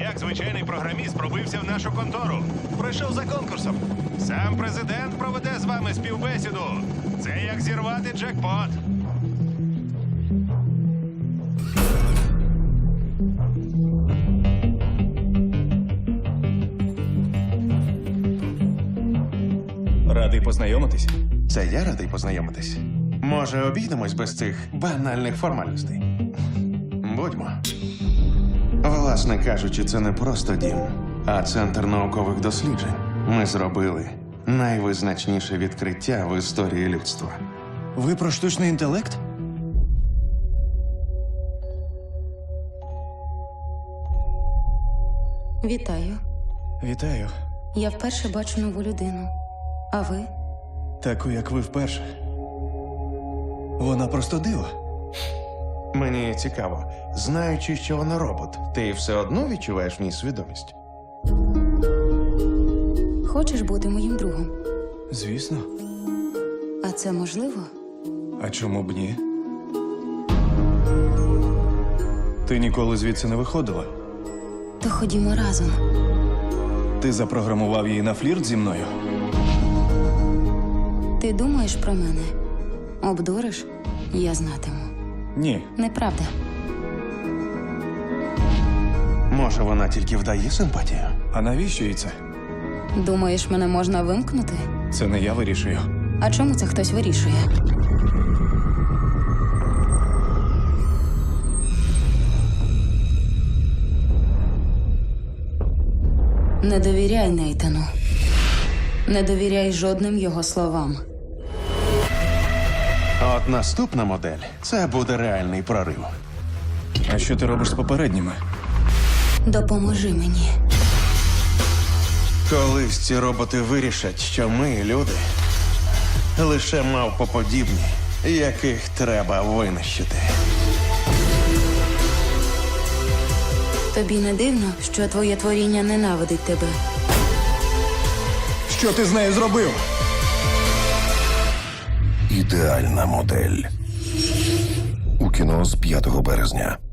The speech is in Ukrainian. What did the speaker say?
як звичайний програміст пробився в нашу контору. Прийшов за конкурсом. Сам президент проведе з вами співбесіду. Це як зірвати джекпот. Радий познайомитись. Це я радий познайомитись. Може, обійдемось без цих банальних формальностей? Будьмо. Власне кажучи, це не просто дім, а центр наукових досліджень. Ми зробили найвизначніше відкриття в історії людства. Ви про штучний інтелект? Вітаю. Вітаю. Я вперше бачу нову людину. А ви? Таку, як ви вперше. Вона просто диво. Мені цікаво, знаючи, що вона робот, ти все одно відчуваєш в ній свідомість? Хочеш бути моїм другом? Звісно. А це можливо? А чому б ні? Ти ніколи звідси не виходила. То ходімо разом. Ти запрограмував її на флірт зі мною. Ти думаєш про мене? Обдуриш? Я знатиму. Ні. Неправда. Може, вона тільки вдає симпатію? А навіщо їй це? Думаєш, мене можна вимкнути? Це не я вирішую. А чому це хтось вирішує? Не довіряй Нейтану. Не довіряй жодним його словам. От наступна модель – це буде реальний прорив. А що ти робиш з попередніми? Допоможи мені. Колись ці роботи вирішать, що ми, люди, лише мавпоподібні, яких треба винищити. Тобі не дивно, що твоє творіння ненавидить тебе? Що ти з нею зробив? Ідеальна модель. У кіно з 5 березня.